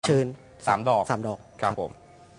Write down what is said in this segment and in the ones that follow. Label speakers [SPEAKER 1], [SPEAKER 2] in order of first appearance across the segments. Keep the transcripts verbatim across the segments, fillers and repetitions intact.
[SPEAKER 1] เชิญ
[SPEAKER 2] สามดอก
[SPEAKER 1] สามดอก
[SPEAKER 2] ครับผม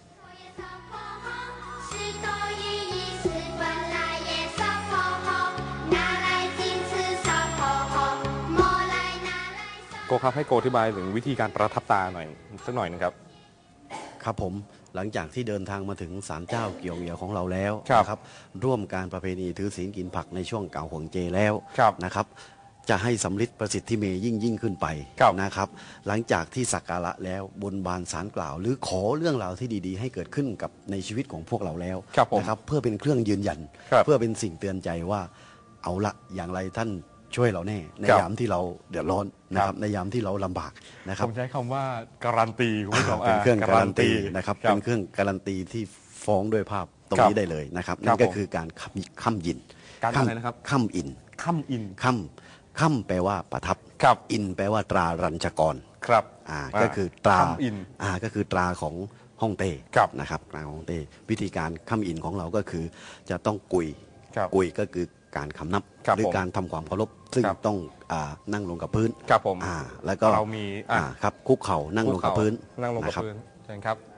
[SPEAKER 2] โกครับให้โกอธิบายถึงวิธีการประทับตาหน่อยสักหน่อยนึงครับ
[SPEAKER 3] ครับผมหลังจากที่เดินทางมาถึงศาลเจ้าเกี่ยวเหยียวของเราแล้ว
[SPEAKER 2] ครับ
[SPEAKER 3] นะครับร่วมการประเพณีถือศีลกินผักในช่วงเก่าห่วงเจแล้ว
[SPEAKER 2] ครับ
[SPEAKER 3] นะครับจะให้สำลิดประสิทธิเมยิ่งยิ่งขึ้นไป
[SPEAKER 2] ครับ
[SPEAKER 3] นะครับหลังจากที่สักการะแล้วบนบานสารกล่าว หรือขอเรื่องราวที่ดีๆ ให้เกิดขึ้นกับในชีวิตของพวกเราแล้ว
[SPEAKER 2] ครับผม
[SPEAKER 3] นะครับเพื่อเป็นเครื่องยืนยัน
[SPEAKER 2] ครับ
[SPEAKER 3] เพื่อเป็นสิ่งเตือนใจว่าเอาละอย่างไรท่านช่วยเราแน่ใน
[SPEAKER 2] ครับ
[SPEAKER 3] ยามที่เราเดือดร้อนนะค
[SPEAKER 2] ครั
[SPEAKER 3] รับบ ในยามที่เราลำบากนะครั
[SPEAKER 2] ผ
[SPEAKER 3] บ
[SPEAKER 2] มใช้คำว่าการันตีคุณผู้ชม
[SPEAKER 3] เป็นเครื่องการันตี
[SPEAKER 2] การันตี
[SPEAKER 3] นะครับ
[SPEAKER 2] ครับ
[SPEAKER 3] เป็นเครื่องการันตีที่ฟ้องด้วยภาพตรง
[SPEAKER 2] ครับ
[SPEAKER 3] นี้ได้เลยนะครับ
[SPEAKER 2] ครั
[SPEAKER 3] นั่
[SPEAKER 2] บ
[SPEAKER 3] นก็
[SPEAKER 2] ผม
[SPEAKER 3] คือการค้ำค้ำยิน
[SPEAKER 2] การอะไรนะครับ
[SPEAKER 3] ค้ำอิน
[SPEAKER 2] ค่ำอิน
[SPEAKER 3] ค้ำค้ำแปลว่าประทับ
[SPEAKER 2] ครับ
[SPEAKER 3] อินแปลว่าตรารัญชกร
[SPEAKER 2] ครับ
[SPEAKER 3] อ่าก็คือตรา
[SPEAKER 2] ค่ำอิน
[SPEAKER 3] อ่าก็คือตราของฮ่องเต้
[SPEAKER 2] ครับ
[SPEAKER 3] นะครับตราของฮ่องเต้วิธีการค้ำอินของเราก็คือจะต้องกุย
[SPEAKER 2] ครับ
[SPEAKER 3] กุยก็คือการคำนับ
[SPEAKER 2] ครับ
[SPEAKER 3] หรือ
[SPEAKER 2] ผม
[SPEAKER 3] การทำความเคารพซึ่ง
[SPEAKER 2] ครับ
[SPEAKER 3] ต้องอ่านั่งลงกับพื้น
[SPEAKER 2] ครับผม
[SPEAKER 3] อ่าแล้วก็
[SPEAKER 2] เรามีอ่ะ
[SPEAKER 3] อ่าครับคุกเข่านั่งลงกับพื้น
[SPEAKER 2] นั่งลงกับ
[SPEAKER 3] นะครับ
[SPEAKER 2] พื้นเชิญครับ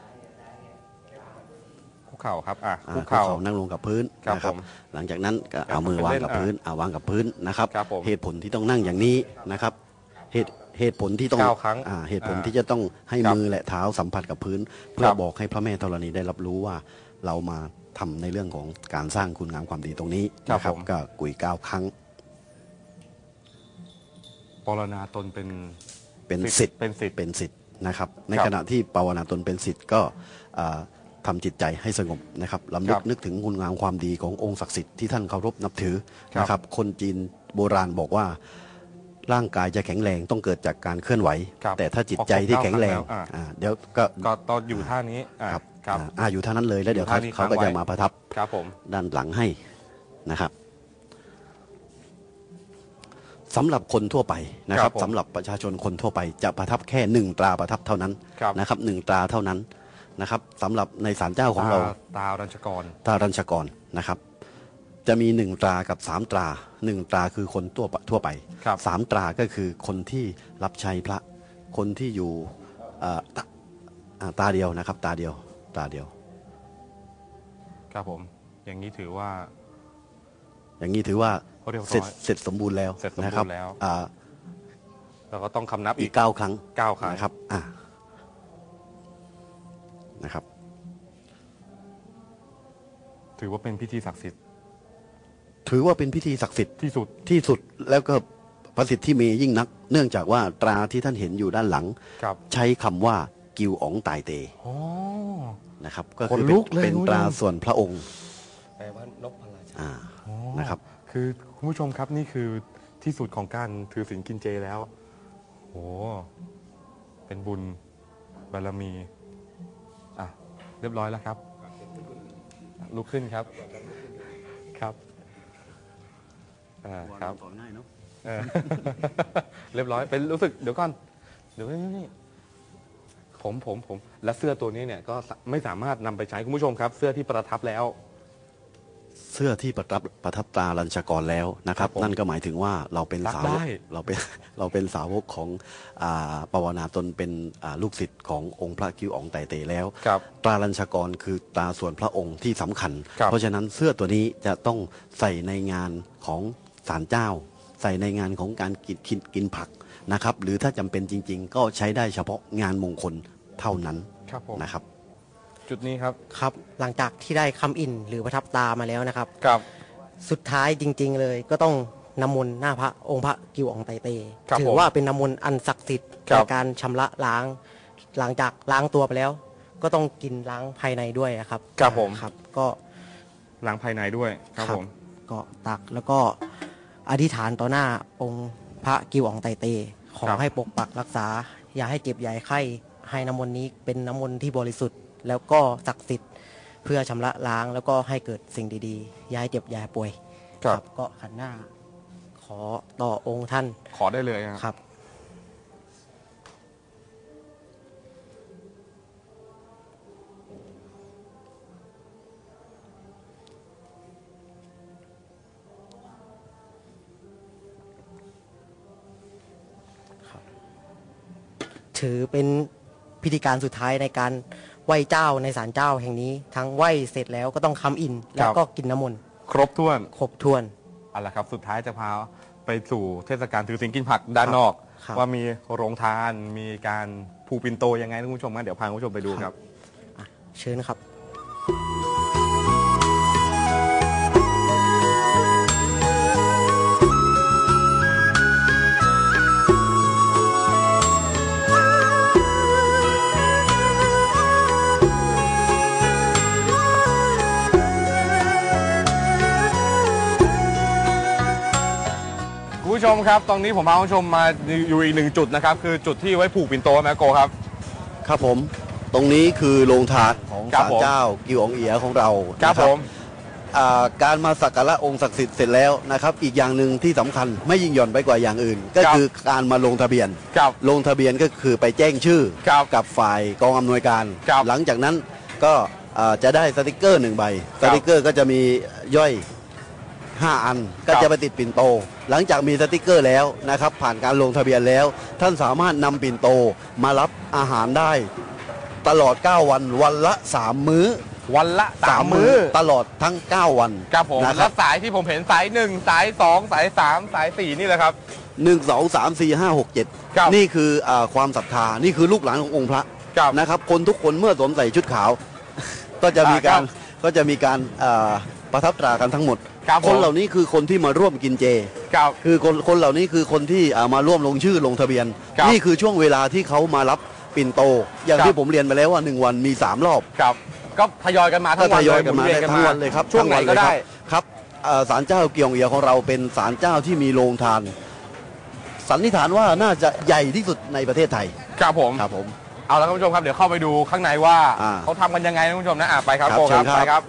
[SPEAKER 2] คุกเข่าครับอ่ะ
[SPEAKER 3] อ่า
[SPEAKER 2] คุ
[SPEAKER 3] คุ
[SPEAKER 2] ก
[SPEAKER 3] ก
[SPEAKER 2] เข่า
[SPEAKER 3] เข่านั่งลงกับพื้น
[SPEAKER 2] ครับ
[SPEAKER 3] นะครับ
[SPEAKER 2] ผม
[SPEAKER 3] หลังจากนั้นก็
[SPEAKER 2] ครับ
[SPEAKER 3] เอามือวางกับ
[SPEAKER 2] เป็นเล่น
[SPEAKER 3] พื้นเอาวางกับพื้นนะครับ
[SPEAKER 2] ครับผม
[SPEAKER 3] เหตุผลที่ต้องนั่งอย่างนี้นะครับเหตุเหตุผลที่ต้อง
[SPEAKER 2] เก้าครั้ง
[SPEAKER 3] อ่าเหตุผล
[SPEAKER 2] อ่า
[SPEAKER 3] ที่จะต้องให้
[SPEAKER 2] ครับ
[SPEAKER 3] มือและเท้าสัมผัสกับพื้น เพื่อ
[SPEAKER 2] ครับ
[SPEAKER 3] บอกให้พระแม่ธรณีได้รับรู้ว่าเรามาทำในเรื่องของการสร้างคุณงามความดีตรงนี้
[SPEAKER 2] ครับ
[SPEAKER 3] นะครั
[SPEAKER 2] ผม
[SPEAKER 3] ก็กุยเก้าครั้ง
[SPEAKER 2] ปรณาตนเป็น
[SPEAKER 3] เป็นสิทธิ์
[SPEAKER 2] เป็นสิทธิ์
[SPEAKER 3] เป็นสิทธิ์นะครับใน
[SPEAKER 2] ครับ
[SPEAKER 3] ขณะที่ภาวนาตนเป็นสิทธิ์ก็อ่าทำจิตใจให้สงบนะครับลำลึ
[SPEAKER 2] ครั
[SPEAKER 3] ก
[SPEAKER 2] บ
[SPEAKER 3] นึกถึงคุณงามความดีขององค์ศักดิ์สิทธิ์ที่ท่านเคารพนับถือ
[SPEAKER 2] ครับ
[SPEAKER 3] นะครับคนจีนโบราณบอกว่าร่างกายจะแข็งแรงต้องเกิดจากการเคลื่อนไหว
[SPEAKER 2] ครับ
[SPEAKER 3] แต่ถ้าจิตใจที่แข็งแรง
[SPEAKER 2] ออกเก้าครั้งแล้วอ่า
[SPEAKER 3] อ่าเดี๋ยวก็
[SPEAKER 2] ก็ตอนอยู่ท่านี้อ่ะ
[SPEAKER 3] ครับ
[SPEAKER 2] ครับ
[SPEAKER 3] อ่าอ่าอยู่ท่านั้นเลยแล้วเดี๋ยว
[SPEAKER 2] อยู่
[SPEAKER 3] เขา
[SPEAKER 2] ท่านี้
[SPEAKER 3] เขาก็
[SPEAKER 2] ค้างไว้
[SPEAKER 3] จะมาประทับ
[SPEAKER 2] ครับผม
[SPEAKER 3] ด้านหลังให้นะครับสำหรับคนทั่วไปนะค
[SPEAKER 2] ครั
[SPEAKER 3] รั
[SPEAKER 2] บบ ผม
[SPEAKER 3] สำหรับประชาชนคนทั่วไปจะประทับแค่หนึ่งตราประทับเท่านั้น
[SPEAKER 2] ครับ
[SPEAKER 3] นะครับหนึ่งตราเท่านั้นนะครับสำหรับในศาลเจ้าของเรา
[SPEAKER 2] ตตารัญชกร
[SPEAKER 3] ตรารัญชกรนะครับ จะมีหนึ่งตรากับสามตราหนึ่งตราคือคนทั่วไปทั่วไป
[SPEAKER 2] ครับ
[SPEAKER 3] สามตราก็คือคนที่รับใช้พระคนที่อยู่เอ่อตาอ่าตาเดียวนะครับ ตาเดียวตาเดียว
[SPEAKER 2] ครับผมอย่างนี้ถือว่า
[SPEAKER 3] อย่างนี้ถือว่า
[SPEAKER 2] เรียบร้อย
[SPEAKER 3] เสร็จเสร็จสมบูรณ์แล้ว
[SPEAKER 2] เสร็จสมบูรณ์
[SPEAKER 3] นะครับ
[SPEAKER 2] แล้ว
[SPEAKER 3] อ่า
[SPEAKER 2] เราก็ต้องคำนับ
[SPEAKER 3] อี
[SPEAKER 2] อี
[SPEAKER 3] ก
[SPEAKER 2] ก
[SPEAKER 3] เก้าครั้ง
[SPEAKER 2] เก้าครั้ง
[SPEAKER 3] นะครับอ่านะครับ
[SPEAKER 2] ถือว่าเป็นพิธีศักดิ์สิทธิ์
[SPEAKER 3] ถือว่าเป็นพิธีศักดิ์สิทธิ์
[SPEAKER 2] ที่สุด
[SPEAKER 3] ที่สุดแล้วก็ประสิทธิเมยิ่งนัก เนื่องจากว่าตราที่ท่านเห็นอยู่ด้านหลัง
[SPEAKER 2] ครับ
[SPEAKER 3] ใช้คำว่ากิวอ๋องตายเต
[SPEAKER 2] อ๋อ
[SPEAKER 3] นะครับก็
[SPEAKER 2] ข
[SPEAKER 3] คื
[SPEAKER 2] น
[SPEAKER 3] อ
[SPEAKER 2] ลุ
[SPEAKER 3] เป็น
[SPEAKER 2] กเลย
[SPEAKER 3] เป็น
[SPEAKER 2] คุณผู้ชม
[SPEAKER 3] ตราส่วนพระองค์
[SPEAKER 1] แปลว่านกพลาชา
[SPEAKER 3] อ่า
[SPEAKER 2] อ๋อ
[SPEAKER 3] นะครับ
[SPEAKER 2] คือคุณผู้ชมครับนี่คือที่สุดของการถือศีลกินเจแล้วโอ้เป็นบุญบารมีอ่ะเรียบร้อยแล้วครับลุกขึ้นครับครับอ่าครับ
[SPEAKER 3] ง่ายเนาะ
[SPEAKER 2] เออ เรียบร้อยเป็นรู้สึกเดี๋ยวก่อนเดี๋ยวนี่นี่ผมผมผมและเสื้อตัวนี้เนี่ยก็ไม่สามารถนำไปใช้คุณผู้ชมครับ เสื้อที่ประทับแล้ว
[SPEAKER 3] เสื้อที่ประทับประทับตราลัญชกรแล้วนะครับ
[SPEAKER 2] ครับผม
[SPEAKER 3] นั่นก็หมายถึงว่าเราเป็น
[SPEAKER 2] รัก
[SPEAKER 3] สาวก
[SPEAKER 2] ได้
[SPEAKER 3] เราเป็น เราเป็นสาวกของอ่าปวนาตนเป็นอ่าลูกศิษย์ขององค์พระกิวอ๋องไตเตแล้ว
[SPEAKER 2] ครับ
[SPEAKER 3] ตราลัญชกรคือตราส่วนพระองค์ที่สำคัญ
[SPEAKER 2] ครับ
[SPEAKER 3] เพราะฉะนั้นเสื้อตัวนี้จะต้องใส่ในงานของศาลเจ้า ใส่ในงานของการกินกินกินผักนะครับ หรือถ้าจำเป็นจริง ๆ ก็ใช้ได้เฉพาะงานมงคลเท่านั้น
[SPEAKER 2] ครับผม
[SPEAKER 3] นะครับ
[SPEAKER 2] จุดนี้ครับ
[SPEAKER 1] ครับ หลังจากที่ได้คำอินหรือประทับตามาแล้วนะครับ
[SPEAKER 2] ครับ
[SPEAKER 1] สุดท้ายจริง ๆ เลยก็ต้องน้ำมนต์หน้าพระองค์พระกิวอ๋องไตเต
[SPEAKER 2] ครับ
[SPEAKER 1] ถื
[SPEAKER 2] ผม
[SPEAKER 1] ว่าเป็นน้ำมนต์อันศักดิ์สิทธิ์
[SPEAKER 2] ครั
[SPEAKER 1] ใน
[SPEAKER 2] บ
[SPEAKER 1] การชำระล้าง หลังจากล้างตัวไปแล้ว ก็ต้องกินล้างภายในด้วยนะครับ
[SPEAKER 2] ครับผม
[SPEAKER 1] ครับ ก็
[SPEAKER 2] ล้างภายในด้วยครับผม
[SPEAKER 1] ก็ตักแล้วก็อธิษฐานต่อหน้าองค์พระกิวอ๋องไตเต ขอ
[SPEAKER 2] ครับ
[SPEAKER 1] ให้ปกปักรักษา อย่าให้เจ็บอย่าให้ไข้ให้น้ำมนต์นี้เป็นน้ำมนต์ที่บริสุทธิ์ แล้วก็ศักดิ์สิทธิ์เพื่อชำระล้างแล้วก็ให้เกิดสิ่งดีๆอย่าให้เจ็บอย่าให้ป่วย
[SPEAKER 2] ครับ
[SPEAKER 1] ก็ขันหน้า ขอต่อองค์ท่าน
[SPEAKER 2] ขอได้เลย
[SPEAKER 1] ค
[SPEAKER 2] ครับ
[SPEAKER 1] รับ ถือเป็นพิธีการสุดท้ายในการไหว้เจ้าในศาลเจ้าแห่งนี้ ทั้งไหว้เสร็จแล้วก็ต้องค้ำอินแล้วก็กินน้ำมนต์
[SPEAKER 2] ครบถ้วน
[SPEAKER 1] ครบถ้วน
[SPEAKER 2] เอาละครับสุดท้ายจะพาไปสู่เทศกาลถือศีลกินผักด้านนอก
[SPEAKER 1] ครับ
[SPEAKER 2] ว่ามีโรงทานมีการผูกปิ่นโตยังไงนะคุณผู้ชมงั้นเดี๋ยวพาคุณผู้ชมไปดูครับ
[SPEAKER 1] อ่ะเชิญครับ
[SPEAKER 2] คุณผู้ชมครับตอนนี้ผมพาคุณผู้ชมมาอยู่อีกหนึ่งจุดนะครับคือจุดที่ไว้ผูกปิ่นโตแมโกครับ
[SPEAKER 3] ครับผมตรงนี้คือโรงทานของ
[SPEAKER 2] ครับ
[SPEAKER 3] ศาล
[SPEAKER 2] ผม
[SPEAKER 3] เจ้ากิวอองเอียของเรา
[SPEAKER 2] ครับ
[SPEAKER 3] นะ
[SPEAKER 2] ผม
[SPEAKER 3] อ่าการมาสักการะองค์ศักดิ์สิทธิ์เสร็จแล้วนะครับอีกอย่างหนึ่งที่สำคัญไม่ยิ่งหย่อนไปกว่าอย่างอื่น ก็คือการมาลงทะเบียน
[SPEAKER 2] ครับ
[SPEAKER 3] ลงทะเบียนก็คือไปแจ้งชื่อ
[SPEAKER 2] ครับ
[SPEAKER 3] กับฝ่ายกองอำนวยการ
[SPEAKER 2] ครับ
[SPEAKER 3] หลังจากนั้นก็อ่าจะได้สติกเกอร์หนึ่งใบสติกเกอร์ก็จะมีย่อยห้าอันก็
[SPEAKER 2] ครับ
[SPEAKER 3] จะไปติดปิ่นโต หลังจากมีสติกเกอร์แล้วนะครับผ่านการลงทะเบียนแล้ว ท่านสามารถนำปิ่นโตมารับอาหารได้ตลอดเก้าวันวันละสามมื้อ
[SPEAKER 2] วันละสามมื้อ
[SPEAKER 3] ตลอดทั้งเก้าวัน
[SPEAKER 2] ครับผม
[SPEAKER 3] นะค
[SPEAKER 2] แล้
[SPEAKER 3] รั
[SPEAKER 2] ว
[SPEAKER 3] บ
[SPEAKER 2] สายที่ผมเห็นสายหนึ่งสายสองสายสามสายสี่นี่แหละครับ
[SPEAKER 3] หนึ่งสองสามสี่ห้าหกเจ็ด
[SPEAKER 2] ครับ
[SPEAKER 3] นี่คืออาความศรัทธานี่คือลูกหลานขององค์พระ
[SPEAKER 2] ครับ
[SPEAKER 3] นะครับคนทุกคนเมื่อสวมใส่ชุดขาว ก็จะมีการ
[SPEAKER 2] อ่าครับ
[SPEAKER 3] ก็จะมีการอ่าประทับตรากันทั้งหมด
[SPEAKER 2] ครับผม
[SPEAKER 3] คนเหล่านี้คือคนที่มาร่วมกินเจ
[SPEAKER 2] ครับ
[SPEAKER 3] คือคนคนเหล่านี้คือคนที่อ่ามาร่วมลงชื่อลงทะเบียน
[SPEAKER 2] ครับ
[SPEAKER 3] นี่คือช่วงเวลาที่เขามารับปิ่นโต อย่าง
[SPEAKER 2] ครับ
[SPEAKER 3] ที่ผมเรียนไปแล้วว่าหนึ่งวันมีสามรอบ
[SPEAKER 2] ครับก็ทยอยกันมาทั้
[SPEAKER 3] ก็
[SPEAKER 2] งวั
[SPEAKER 3] ท
[SPEAKER 2] น
[SPEAKER 3] ย
[SPEAKER 2] เล
[SPEAKER 3] อย
[SPEAKER 2] ย
[SPEAKER 3] กันมา
[SPEAKER 2] ห
[SPEAKER 3] ได้
[SPEAKER 2] วี
[SPEAKER 3] ทั้งวันเลยครับ
[SPEAKER 2] ช่วงไหน
[SPEAKER 3] ทั้
[SPEAKER 2] ก็
[SPEAKER 3] เลย
[SPEAKER 2] ได้
[SPEAKER 3] ครับครับเอ่อศาลเจ้าเกียงเอียของเราเป็นศาลเจ้าที่มีโรงทาน สันนิษฐานว่าน่าจะใหญ่ที่สุดในประเทศไทย
[SPEAKER 2] ครับผม
[SPEAKER 3] ครับผม
[SPEAKER 2] เอาละครับคุณผู้ชมครับเดี๋ยวเข้าไปดูข้างในว่า
[SPEAKER 3] อ่า
[SPEAKER 2] เขาทำกันยังไงนะคุณผู้ชมนะอ่ะไปครับ
[SPEAKER 3] ครับ
[SPEAKER 2] โกครับ
[SPEAKER 3] เชิญครับ
[SPEAKER 2] ไปครับ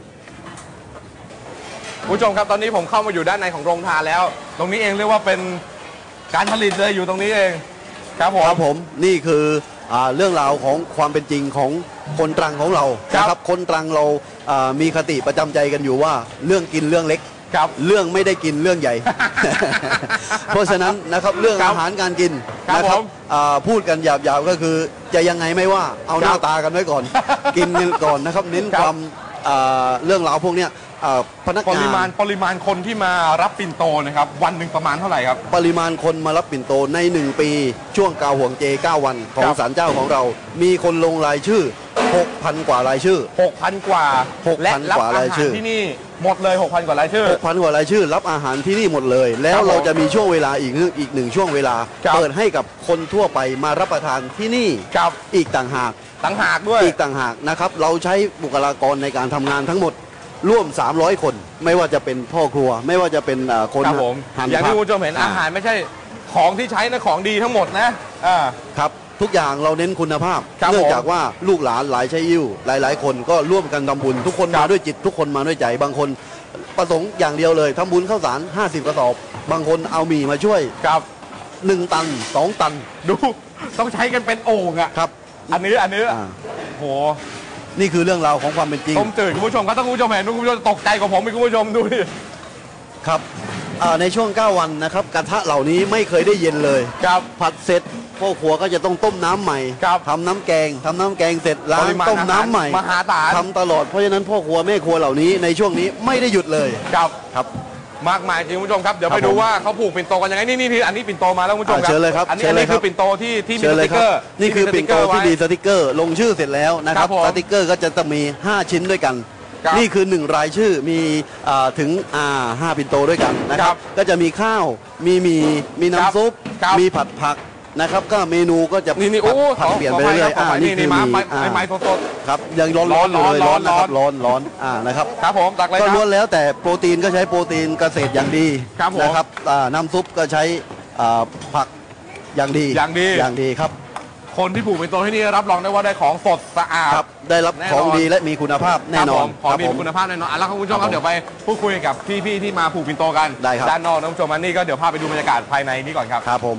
[SPEAKER 2] คุณผู้ชมครับตอนนี้ผมเข้ามาอยู่ด้านในของโรงทานแล้ว ตรงนี้เองเรียกว่าเป็นการผลิตเลยอยู่ตรงนี้เอง ครับผม
[SPEAKER 3] ครับผมนี่คืออ่าเรื่องราวของความเป็นจริงของคนตรังของเรา
[SPEAKER 2] ครับ
[SPEAKER 3] นะครับคนตรังเราอ่ามีคติประจำใจกันอยู่ว่าเรื่องกินเรื่องเล็ก
[SPEAKER 2] ครับ
[SPEAKER 3] เรื่องไม่ได้กินเรื่องใหญ่ เพราะฉะนั้นนะครับเรื่อง
[SPEAKER 2] ครับ
[SPEAKER 3] อาหารการกิน
[SPEAKER 2] ครับ
[SPEAKER 3] นะครั
[SPEAKER 2] ผ
[SPEAKER 3] บ
[SPEAKER 2] ม
[SPEAKER 3] อ่าพูดกันหยาบๆก็คือจะยังไงไม่ว่าเอาหน้า
[SPEAKER 2] ครับ
[SPEAKER 3] ตากันไว้ก่อน กินกันก่อนนะครับเน้น
[SPEAKER 2] ครับ
[SPEAKER 3] ความอ่าเรื่องราวพวกเนี้ยอ่าพนัก
[SPEAKER 2] ป
[SPEAKER 3] งาน
[SPEAKER 2] ริมาณปริมาณคนที่มารับปิ่นโตนะครับวันหนึ่งประมาณเท่าไหร่ครับ
[SPEAKER 3] ปริมาณคนมารับปิ่นโตในหนึ่งปีช่วงกาห่วงเจเก้าวันของ
[SPEAKER 2] ครับ
[SPEAKER 3] ศาลเจ้าของเรา มีคนลงรายชื่อ หกพัน กว่ารายชื่อ
[SPEAKER 2] หกพัน กว่า
[SPEAKER 3] หกพัน
[SPEAKER 2] และรับ
[SPEAKER 3] กว่า
[SPEAKER 2] อา
[SPEAKER 3] รา
[SPEAKER 2] หาย
[SPEAKER 3] ชื่
[SPEAKER 2] ร
[SPEAKER 3] อ
[SPEAKER 2] ที่นี่หมดเลย หกพัน กว่ารายชื่อ
[SPEAKER 3] หกพัน กว่ารายชื่อ รับอาหารที่นี่หมดเลย แล้ว
[SPEAKER 2] ครับผม
[SPEAKER 3] เราจะมีช่วงเวลาอีกหนึ่งอีกหนึ่งช่วงเวลา
[SPEAKER 2] ครับ
[SPEAKER 3] เปิดให้กับคนทั่วไปมารับประทานที่นี่
[SPEAKER 2] ครับ
[SPEAKER 3] อีกต่างหาก
[SPEAKER 2] ต่างหากด้วย
[SPEAKER 3] อีกต่างหากนะครับเราใช้บุคลากรในการทำงานทั้งหมดร่วม สามร้อย คน ไม่ว่าจะเป็นพ่อครัว ไม่ว่าจะเป็นอ่าคน
[SPEAKER 2] ครับผม
[SPEAKER 3] หั่น
[SPEAKER 2] อย่าง
[SPEAKER 3] ผั
[SPEAKER 2] ที่
[SPEAKER 3] ก
[SPEAKER 2] คุณผู้ชมเห็นอาหารไม่ใช่ของที่ใช้นะของดีทั้งหมดนะอ่า
[SPEAKER 3] ครับทุกอย่างเราเน้นคุณภาพ
[SPEAKER 2] ครับ
[SPEAKER 3] เนื่อง
[SPEAKER 2] ผม
[SPEAKER 3] จากว่าลูกหลานหลายใช้ยิ้วหลาย ๆ คนก็ร่วมกันทำบุญ ทุกคน
[SPEAKER 2] ครั
[SPEAKER 3] มา
[SPEAKER 2] บ
[SPEAKER 3] ด้วยจิตทุกคนมาด้วยใจบางคนประสงค์อย่างเดียวเลยทำบุญข้าวสารห้าสิบกระสอบ บางคนเอาหมี่มาช่วย
[SPEAKER 2] ครับ
[SPEAKER 3] หนึ่งตันสองตัน
[SPEAKER 2] ดูต้องใช้กันเป็นโอ่งอ่ะ
[SPEAKER 3] ครับ
[SPEAKER 2] อันนี้อันนี้
[SPEAKER 3] อ่า
[SPEAKER 2] โห
[SPEAKER 3] นี่คือเรื่องราวของความเป็นจริง
[SPEAKER 2] ต้มจืดคุณผู้ชมครับถ้าคุณผู้ชมเห็นคุณผู้ชมจะตกใจกว่าผมอีกคุณผู้ชมดูดิ
[SPEAKER 3] ครับอ่าในช่วงเก้าวันนะครับกระทะเหล่านี้ไม่เคยได้เย็นเลย
[SPEAKER 2] ครับ
[SPEAKER 3] ผัดเสร็จพ่อครัวก็จะต้องต้มน้ำใหม่
[SPEAKER 2] ครับ
[SPEAKER 3] ทำน้ำแกงทำน้ำแกงเสร็จล้า
[SPEAKER 2] ป
[SPEAKER 3] ง
[SPEAKER 2] ริมาณ
[SPEAKER 3] ต้มน้ำใหม่
[SPEAKER 2] มหาศาล
[SPEAKER 3] ทำตลอดเพราะฉะนั้นพ่อครัวแม่ครัวเหล่านี้ในช่วงนี้ไม่ได้หยุดเลย
[SPEAKER 2] ครับ
[SPEAKER 3] ครับ
[SPEAKER 2] มากมายจริงคุณผู้ชมครับเดี๋ยว
[SPEAKER 3] ครับ
[SPEAKER 2] ไปดู
[SPEAKER 3] ผม
[SPEAKER 2] ว่าเขาผูกปิ่นโตกันยังไงนี่นี่นี่อันนี้ปิ่นโตมาแล้วคุณผู้ชม
[SPEAKER 3] อ่าเชิญเลยครับ
[SPEAKER 2] อันนี้
[SPEAKER 3] เชิ
[SPEAKER 2] อั
[SPEAKER 3] ญ
[SPEAKER 2] น
[SPEAKER 3] เลย
[SPEAKER 2] นี้
[SPEAKER 3] ค
[SPEAKER 2] คื
[SPEAKER 3] รับ
[SPEAKER 2] อปิ่นโตที่ที่มี
[SPEAKER 3] เชิญ
[SPEAKER 2] ส
[SPEAKER 3] เล
[SPEAKER 2] ติ
[SPEAKER 3] ย
[SPEAKER 2] ก
[SPEAKER 3] ค
[SPEAKER 2] เก
[SPEAKER 3] รั
[SPEAKER 2] อบ ร์
[SPEAKER 3] นี่คือปิ่นโตที่มีสติกเกอร์ ลงชื่อเสร็จแล้วนะครับ
[SPEAKER 2] ครับผม
[SPEAKER 3] สติกเกอร์ก็จะต้องมี ห้า ชิ้นด้วยกัน
[SPEAKER 2] ครับ
[SPEAKER 3] นี่คือหนึ่งรายชื่อมีอ่าถึงอ่าห้าปิ่นโตด้วยกันนะค
[SPEAKER 2] ครั
[SPEAKER 3] รับ
[SPEAKER 2] บ
[SPEAKER 3] ก็จะมีข้าวมีหมีมี
[SPEAKER 2] ครับ
[SPEAKER 3] น้ำซุป
[SPEAKER 2] ครับ
[SPEAKER 3] มีผัดผักนะครับก็เมนูก็จะ
[SPEAKER 2] นี่นี่
[SPEAKER 3] ผั
[SPEAKER 2] โอ้
[SPEAKER 3] ดผัด
[SPEAKER 2] ขอ
[SPEAKER 3] เปลี่ยน
[SPEAKER 2] ขอ
[SPEAKER 3] ไป
[SPEAKER 2] ไป
[SPEAKER 3] เรื่อย
[SPEAKER 2] ครั
[SPEAKER 3] ๆ
[SPEAKER 2] บขอ
[SPEAKER 3] อ่า
[SPEAKER 2] ไป
[SPEAKER 3] นี่
[SPEAKER 2] นี่
[SPEAKER 3] คือ
[SPEAKER 2] มา
[SPEAKER 3] มี
[SPEAKER 2] ไม้
[SPEAKER 3] อ่า
[SPEAKER 2] ไม้สด
[SPEAKER 3] ครับยังร้อนร้อนอยู่เลย
[SPEAKER 2] ร้
[SPEAKER 3] ร้
[SPEAKER 2] อ
[SPEAKER 3] อน นนะครับ
[SPEAKER 2] ร้
[SPEAKER 3] ร้
[SPEAKER 2] อ
[SPEAKER 3] อน นร้อนอ่านะครับ
[SPEAKER 2] ๆครับผมตักเลย
[SPEAKER 3] ก็
[SPEAKER 2] ครั
[SPEAKER 3] ล้วน
[SPEAKER 2] บ
[SPEAKER 3] แล้วแต่โปรตีนก็ใช้โปรตีนเกษตรอย่างดี
[SPEAKER 2] ครับผม
[SPEAKER 3] นะครับอ่าน้ำซุปก็ใช้อ่าผักอย่างดี
[SPEAKER 2] อย่างดี
[SPEAKER 3] อย่างดีครับ
[SPEAKER 2] คนที่ผูกปิ่นโตที่นี่รับรองได้ว่าได้ของสดสะอาด
[SPEAKER 3] ครับได้รับ
[SPEAKER 2] แน่นอน
[SPEAKER 3] ของดีและมีคุณภาพแน่นอน
[SPEAKER 2] ครับผมของมี
[SPEAKER 3] ครับผม
[SPEAKER 2] คุณภาพแน่นอนอ่ะแล้วคุณผู้ชมค
[SPEAKER 3] ครั
[SPEAKER 2] รับบ
[SPEAKER 3] ผม
[SPEAKER 2] เดี๋ยวไปพูดคุยกับพี่ๆที่มาผูกปิ่นโตกัน
[SPEAKER 3] ได้ครับ
[SPEAKER 2] ด้านนอกนะคุณผู้ชมอันนี้ก็เดี๋ยวพาไปดูบรรยากาศภายในนี้ก่อนครับ
[SPEAKER 3] ครับผม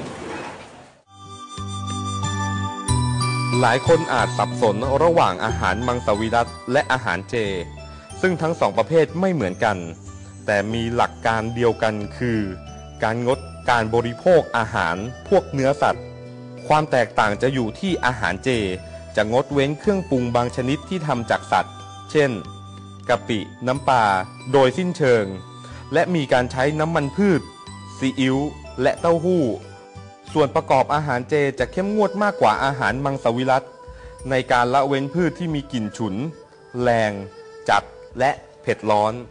[SPEAKER 2] หลายคนอาจสับสนระหว่างอาหารมังสวิรัติและอาหารเจ ซึ่งทั้งสองประเภทไม่เหมือนกัน แต่มีหลักการเดียวกันคือ การงดการบริโภคอาหารพวกเนื้อสัตว์ คความแตกต่างจะอยู่ที่อาหารเจจะงดเว้นเครื่องปรุงบางชนิดที่ทำจากสัตว์ เช่นกะปิน้ำปลาโดยสิ้นเชิงและมีการใช้น้ำมันพืชซีอิ๊วและเต้าหู้ส่วนประกอบอาหารเจจะเข้มงวดมากกว่าอาหารมังสวิรัติในการละเว้นพืชที่มีกลิ่นฉุนแรงจัดและเผ็ดร้อน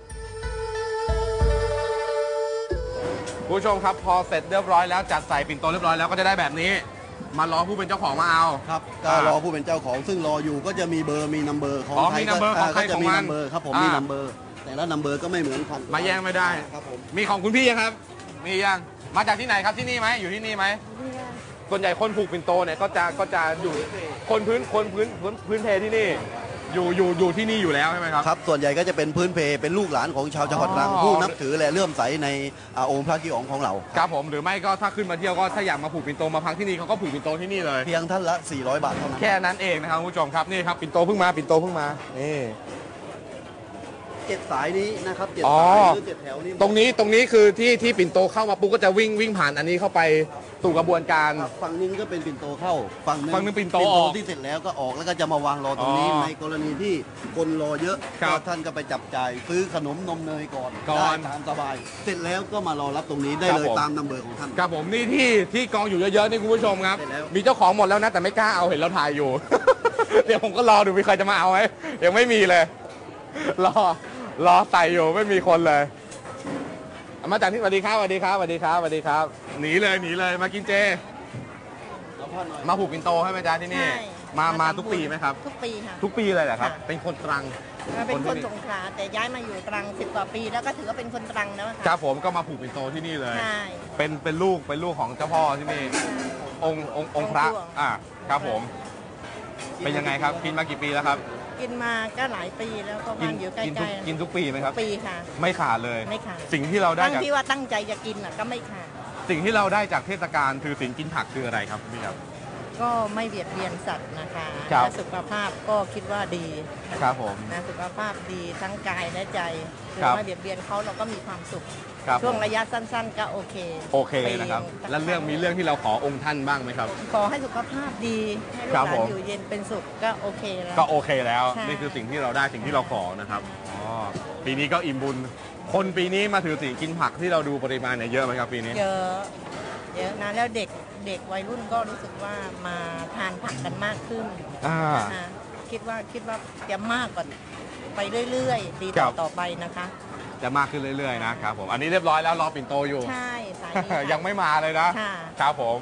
[SPEAKER 2] ผู้ชมครับพอเสร็จเรียบร้อยแล้วจัดใส่ปิ่นโตเรียบร้อยแล้วก็จะได้แบบนี้มารอผู้เป็นเจ้าของมาเอา
[SPEAKER 3] ครับก็รอผู้เป็นเจ้าของซึ่งรออยู่ก็จะมีเบอร์มีนัมเบอร์ของ
[SPEAKER 2] อ๋อ
[SPEAKER 3] ใคร
[SPEAKER 2] มีนัมเบอร์ของใคร
[SPEAKER 3] ก็จะ
[SPEAKER 2] ของ
[SPEAKER 3] มี
[SPEAKER 2] มัน
[SPEAKER 3] นัมเบอร์ครับผม
[SPEAKER 2] อ่ามี
[SPEAKER 3] มีนัมเบอร์แต่ละนัมเบอร์ก็ไม่เหมือนกัน
[SPEAKER 2] มาแย่งไม่ได้
[SPEAKER 3] ครับผม
[SPEAKER 2] มีของคุณพี่ยังครับมียังมาจากที่ไหนครับที่นี่ไหมอยู่ที่นี่ไหมส่วนใหญ่คนผูกปิ่นโตเนี่ยก็จะก็จะอยู่คนพื้นคนพื้นพื้นพื้นเพที่นี่อยู่อยู่อยู่ที่นี่อยู่แล้วใช่ไหมครับ
[SPEAKER 3] ครับส่วนใหญ่ก็จะเป็นพื้นเพเป็นลูกหลานของชาวจังหวัดตรัง
[SPEAKER 2] อ๋อ
[SPEAKER 3] ผู้นับถือและเลื่อมใสในอ่าองค์พระกิอ๋องของเรา
[SPEAKER 2] ครับผมหรือไม่ก็ถ้าขึ้นมาเที่ยวก็ถ้าอยากมาผูกปิ่นโตมาพักที่นี่เขาก็ผูกปิ่นโตที่นี่เลย
[SPEAKER 3] เพียงท่านละ สี่ร้อย บาทเท่านั้น
[SPEAKER 2] แค่นั้นเองนะครับคุณผู้ชมครับนี่ครับปิ่นโตเพิ่งมาปิ่นโตเพิ่งมานี่
[SPEAKER 3] เจ็ดสายนี้นะครับเจ็ด
[SPEAKER 2] อ๋อ
[SPEAKER 3] สายหรือเจ็ดแถวนี้
[SPEAKER 2] ตรงนี้ตรงนี้คือที่ที่ปิ่นโตเข้ามาปุ๊บก็จะวิ่งวิ่งผ่านอันนี้เข้าไปสู่กระบวนการ
[SPEAKER 3] ครับฝั่งนึงก็เป็นปิ่นโตเข้าฝั่งนึง
[SPEAKER 2] ฝั่งนึงปิ่นโตออก
[SPEAKER 3] ที่เสร็จแล้วก็ออกแล้วก็จะมาวางรอตรงนี้
[SPEAKER 2] อ๋อ
[SPEAKER 3] ในกรณีที่คนรอเยอะ
[SPEAKER 2] ครับ
[SPEAKER 3] ก็ท่านก็ไปจับจ่ายซื้อขนมนมเนยก่อน
[SPEAKER 2] ก่อน
[SPEAKER 3] ได้ตามสบาย เสร็จแล้วก็มารอรับตรงนี้ได้
[SPEAKER 2] ครับ
[SPEAKER 3] เลย
[SPEAKER 2] ผม
[SPEAKER 3] ตามนัมเบอร์ของท่าน
[SPEAKER 2] ครับผมนี่ที่ที่กองอยู่เยอะๆนี่คุณผู้ชมครับ
[SPEAKER 3] เสร็จแล้ว
[SPEAKER 2] มีเจ้าของหมดแล้วนะแต่ไม่กล้าเอาเห็นเราถ่ายอยู่ เดี๋ยวผมก็รอดูมีใครจะมาเอาไหมยังไม่มีเลย รอรอใส่อยู่ไม่มีคนเลยเอามาจากที่สวัสดีครับสวัสดีครับสวัสดีครับสวัสดีครับหนีเลยหนีเลยมากินเจ
[SPEAKER 3] เอาพ่อหน่อย
[SPEAKER 2] มาผูกปิ่นโตให้ไหมจ๊ะที่นี่
[SPEAKER 4] ใช่
[SPEAKER 2] มามา
[SPEAKER 4] ทำ
[SPEAKER 2] ทุกปีไหมครับ
[SPEAKER 4] ทุกปีค่ะ
[SPEAKER 2] ทุกปีเลยเหรอครับ
[SPEAKER 4] ค่ะ
[SPEAKER 2] เป็นคนตรัง
[SPEAKER 4] เป็น
[SPEAKER 2] คนที่
[SPEAKER 4] คน
[SPEAKER 2] นี่
[SPEAKER 4] สงขลาแต่ย้ายมาอยู่ตรังสิบกว่าปีแล้วก็ถือว่าเป็นคนตรังแล้วค่ะ
[SPEAKER 2] ครับผมก็มาผูกปิ่นโตที่นี่เลย
[SPEAKER 4] ใช่
[SPEAKER 2] เป็นเป็นลูกเป็นลูกของเจ้าพ่อที่นี่ องค์องค์องค์พระ
[SPEAKER 4] องค์หลวง
[SPEAKER 2] อ่าครับผม เป็นยังไงครับกินมากี่ปีแล้วครับ
[SPEAKER 4] กินมาก็หลายปีแล้วก็
[SPEAKER 2] กิ
[SPEAKER 4] บ้านอยู่ใก
[SPEAKER 2] กิทุก
[SPEAKER 4] ล้ๆ
[SPEAKER 2] กินทุกปีไหมครับ
[SPEAKER 4] ปีค่ะ
[SPEAKER 2] ไม่ขาดเลย
[SPEAKER 4] ไม่ขาด
[SPEAKER 2] สิ่งที่เราได้
[SPEAKER 4] ตั้ง
[SPEAKER 2] จาก
[SPEAKER 4] ที่ว่าตั้งใจจะกินอ่ะก็ไม่ขาด
[SPEAKER 2] สิ่งที่เราได้จากเทศกาลถือศีลกินผักคืออะไรครับพี่ครับ
[SPEAKER 4] ก็ไม่เบียดเบียนสัตว์นะคะ
[SPEAKER 2] ครับ
[SPEAKER 4] และสุขภาพก็คิดว่าดีนะะ
[SPEAKER 2] ครับผม
[SPEAKER 4] นะสุขภาพดีทั้งกายและใจคือ
[SPEAKER 2] ครับ
[SPEAKER 4] ไม่เบียดเบียนเขาเราก็มีความสุข
[SPEAKER 2] ครับ
[SPEAKER 4] ช่วง
[SPEAKER 2] ผม
[SPEAKER 4] ระยะสั้น ๆ ก็โอเค
[SPEAKER 2] โอเคนะครับ
[SPEAKER 4] ปี
[SPEAKER 2] แล้วเรื่องมีเรื่องที่เราขอองค์ท่านบ้างไหมครับ
[SPEAKER 4] ขอให้สุขภาพดีให้ลูก
[SPEAKER 2] ครับ
[SPEAKER 4] หลา
[SPEAKER 2] ผ
[SPEAKER 4] น
[SPEAKER 2] ม
[SPEAKER 4] อยู่เย็นเป็นสุขก็โอเคแล้ว
[SPEAKER 2] ก็โอเคแล้ว
[SPEAKER 4] ใช่
[SPEAKER 2] นี่คือสิ่งที่เราได้สิ่งที่เราขอนะครับอ๋อปีนี้ก็อิ่มบุญ คนปีนี้มาถือศีลกินผักที่เราดูปริมาณเนี่ยเยอะไหมครับปีนี้
[SPEAKER 4] เยอะเยอะนะแล้วเด็กเด็กวัยรุ่นก็รู้สึกว่ามาทานผักกันมากขึ้น
[SPEAKER 2] อ่า
[SPEAKER 4] นะคะคิดว่าคิดว่าจะมากกว่าไปเรื่อยๆ ดี
[SPEAKER 2] ครั
[SPEAKER 4] ต่อบ ต่อไปนะคะ
[SPEAKER 2] จะมากขึ้นเรื่อยๆนะครับผมอันนี้เรียบร้อยแล้วรอปิ่นโตอยู่
[SPEAKER 4] ใช่สายนี้ค่ะ
[SPEAKER 2] ยังไม่มาเลยนะ
[SPEAKER 4] ค่ะ
[SPEAKER 2] ครับผม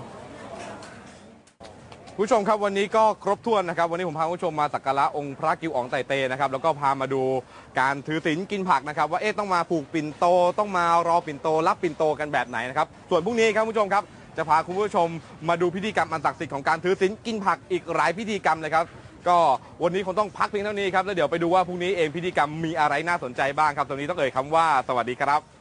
[SPEAKER 2] ผู้ชมครับวันนี้ก็ครบถ้วนนะครับวันนี้ผมพาผู้ชมมาสักการะองค์พระกิวอ๋องไตเตนะครับแล้วก็พามาดูการถือศีลกินผักนะครับว่าเอ๊ะต้องมาผูกปิ่นโตต้องมารอปิ่นโตรับปิ่นโตกันแบบไหนนะครับส่วนพรุ่งนี้ครับผู้ชมครับจะพาคุณผู้ชมมาดูพิธีกรรมอันศักดิ์สิทธิ์ของการถือศีลกินผักอีกหลายพิธีกรรมเลยครับก็วันนี้คงต้องพักเพียงเท่านี้ครับแล้วเดี๋ยวไปดูว่าพรุ่งนี้เองพิธีกรรมมีอะไรน่าสนใจบ้างครับตรงนี้ต้องเอ่ยคำว่าสวัสดีครับ